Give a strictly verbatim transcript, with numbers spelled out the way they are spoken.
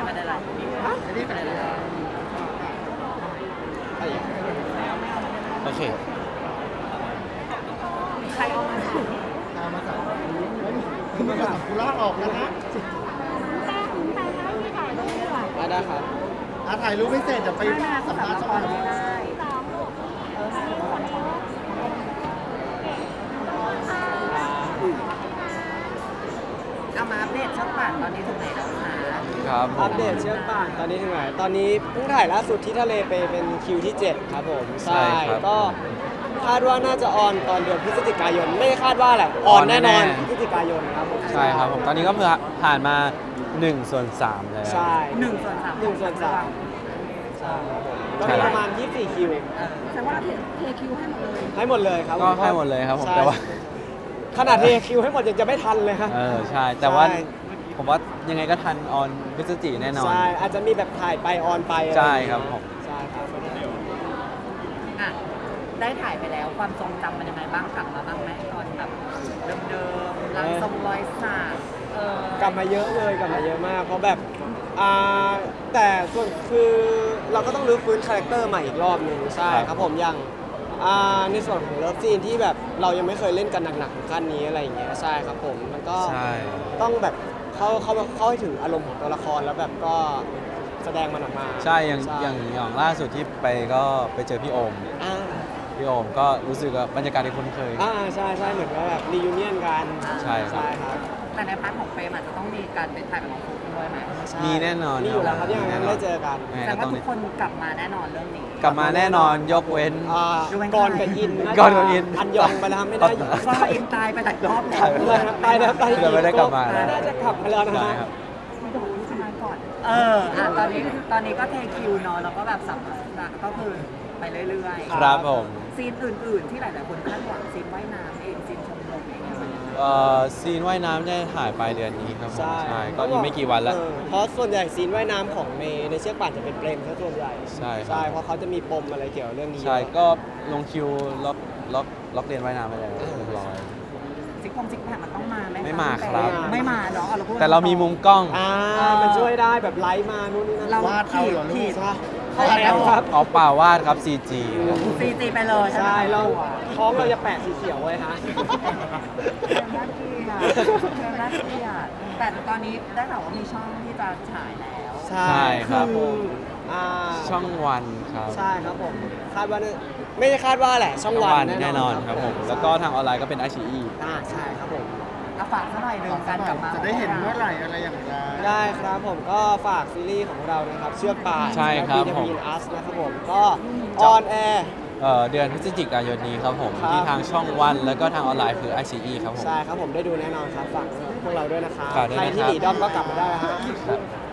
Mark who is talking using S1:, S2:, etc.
S1: ไม่ได้ไรไม่ได้อะไรเลย
S2: โอเค
S1: ใครเอามาใส่
S3: ตามมาสั่งคือมาสั่งกุล่าออกแล้วนะ
S2: อ่ะได้ครับ
S3: อ่ะถ่ายรูปไม่เสร็จเดี๋ยวไป
S1: ไม่มา
S3: สัม
S1: สำห
S3: ภา
S1: รั
S3: ษ
S1: บ
S3: ณ์
S1: ละ
S3: สัก
S1: ค
S3: ห
S1: ร
S3: น่อย
S1: ไม่ได้เอามาอัปเดตช่องป่านตอนนี้ถึงไหนแล้วคะ
S2: ครับผม
S4: อัปเดตเชือกป่านตอนนี้ถึงไหนตอนนี้เพิ่งถ่ายล่าสุดที่ทะเลไปเป็นคิวที่ เจ็ด ครับผม
S2: ใช่ครับ
S4: ก็คาดว่าน่าจะออนตอนเดือนพฤศจิกายน ไม่ได้คาดว่าแหละออนแน่นอน
S2: ออนแน่ๆ
S4: พฤศจิกายนครับผม
S2: ใช่ครับผมตอนนี้ก็เพิ่งผ่านมา1ส่วน3แล้ว
S4: ใช่
S1: หนึ่งส่วนสาม
S4: หนึ่งส่วนสามใช่ครับผมก็
S2: ใช่
S4: มี
S2: แล้ว
S4: ประมาณยี่สิบสี่คิว
S1: เออแสดงว่าเราเทคิวให้หมดเลย
S4: ให้หมดเลยครับ
S2: ก็ให้หมดเลยครับผม
S4: ใช่
S2: แต่ว่า
S4: ขนาดเทคิวให้หมดยังจะไม่ทันเลยครับ
S2: เออใช่ แต่ว่า
S4: ใช่
S2: ผมว่ายังไงก็ทันออนพฤศจิแน่นอน
S4: ใช่อาจจะมีแบบถ่ายไปออนไปอะไ
S2: ใช่ครับผม
S4: ใช่ครับ
S1: อ่ะได้ถ่ายไปแล้วความทรงจำมันยังไงบ้างกลับมาบ้างไหมตอนแบบเดิมๆรังทรงรอยสักเออก
S4: ลับมาเยอะเลยกลับมาเยอะมาก เพราะแบบอ่าแต่ส่วนคือเราก็ต้องรื้อฟื้นคาแรคเตอร์ใหม่อีกรอบหนึ่งใช่ครับผมอย่างอ่าในส่วนของเลิฟซีนที่แบบเรายังไม่เคยเล่นกันหนักๆถึงขั้นนี้อะไรอย่างเงี้ยใช่ครับผมมันก็
S2: ใช่
S4: ต้องแบบเข้าเข้าเข้าให้ถึงอารมณ์ของตัวละครแล้วแบบก็แสดงมันออกมา
S2: ใช่อย่างอย่างอย่างล่าสุดที่ไปก็ไปเจอพี่โอม
S4: อ่า
S2: พี่โอมก็รู้สึกว่าบรรยากาศที่คุ้นเคย
S4: อ่าใช่ใช่เหมือนว่าแบบรียูเนียนกัน
S2: ใช่ครับ
S4: ใช่ครับ
S1: แต่ในพาร์ทของเฟรมอาจจะต้องมีการไปถ่ายกับน้องฟุ๊กด้วยไหม
S4: ใช่
S2: มีแน่นอน
S4: มีอยู่แล้วครับยังไงก็ได้เจอกัน
S2: ยังไง
S1: แต่
S2: ก็
S1: ว่า
S2: ต้อง
S1: ทุกคนกลับมาแน่นอนเรื่องนี้
S2: กลับมาแน่นอนยกเว้น
S4: อ่า
S1: ดูเป็น
S4: ก่อน
S1: ใคร
S4: กับอินน่าจะ
S2: ก่อนกับอิน
S4: อันยองไปแล้วครับไม่ได้อยู่
S1: ก็อินตายไปหลายรอบแล้ว
S2: ถ่ายไป
S4: เลยครับไปแล้วไป
S2: เดี๋ยวไม่ได้กลับมาแล้ว
S4: น่าจะกลับมาแล้วนะ
S2: ใช่
S4: ฮะ
S2: ครับ
S1: โดนสมัยก่อน เอออ่ะตอนนี้ตอนนี้ก็เทคิวเนาะแล้วก็แบบสัมภาษณ์ก็คือไปเรื่อย
S2: ครับผม
S1: ๆ ซีนอื่นๆ ที่หลายๆคนคาดหวังซีนว่ายน้ำเองซีนชมรมเองเนี่ยมัน
S2: เอ่อซีนว่ายน้ำได้ถ่ายปลายเดือนนี้ครับผม
S4: ใช่
S2: ใช่ก็อีกไม่กี่วันแล้ว
S4: เออเพราะส่วนใหญ่ซีนว่ายน้ำของในในเชือกป่านจะเป็นเปรมซะส่วนใหญ่
S2: ใช่ครับ
S4: ใช่เพราะเขาจะมีปมอะไรเกี่ยวกับเรื่องนี้
S2: ใช่ก็ลงคิวล็อกล็อกล็อกเรียนว่ายน้ำไปแล้วเรียบร้อย
S1: ซิกพงซิกแพคมันต้องมาไหมะ
S2: ไม่มาครับ
S1: ไม่มาเนาะอพูด
S2: แต่เรามีมุมกล้อง
S4: อ่ามันช่วยได้แบบไลฟ์มานู่นนี่นั่น
S1: เรา
S3: วาดเอาเหรอลู
S1: ขี
S3: ก
S1: ด
S4: ใช่
S1: เอาแล้ว
S4: ครับ
S2: เอาเปล่าวาดครับ ซี จี
S1: ซีจีไปเลย
S4: ใช่เราท้องเราจะแปะสีเขียวไว้ฮะ
S1: น่าเกลียดน่าเกลียดแต่ตอนนี้ได้ข่าวว่ามีช่องที่จะฉายแล้ว
S4: ใช่
S2: ใช่ครับ
S4: ออ่า
S2: ช่องวันครับ
S4: ใช่ครับผมคาดว่าน่าไม่ได้คาดว่าแหละช่องวัน
S2: แน่นอนครับผม แล้วก็ทางออนไลน์ก็เป็นอาชีอี
S4: อ่าใช่ครับผม
S1: เอาฝากซะหน่อยหนึ่งการกลับมา
S3: จะได้เห็นเมื่อไหร่อะไรอย่างไร
S4: ได้ครับผมก็ฝากซีรีส์ของเรานะครับ เชือกป่าน
S2: ใช่ครับ
S4: บี
S2: ผม
S4: อินอัสนะครับผมก็ออนแอร์
S2: เอ่อเดือนพฤศจิกายนนี้ครับผม
S4: ครับ
S2: ที่ทางช่องวันแล้วก็ทางออนไลน์คือ ไอ ซี อี ครับผม
S4: ใช่ครับผมได้ดูแน่นอนครับฝากพวกเราด้วยนะครับ
S2: ฝากด้วย
S4: ใคร
S2: นะครับ
S4: ที่หนีด้อมก็กลับมาได้แล้วฮะ
S2: ครับ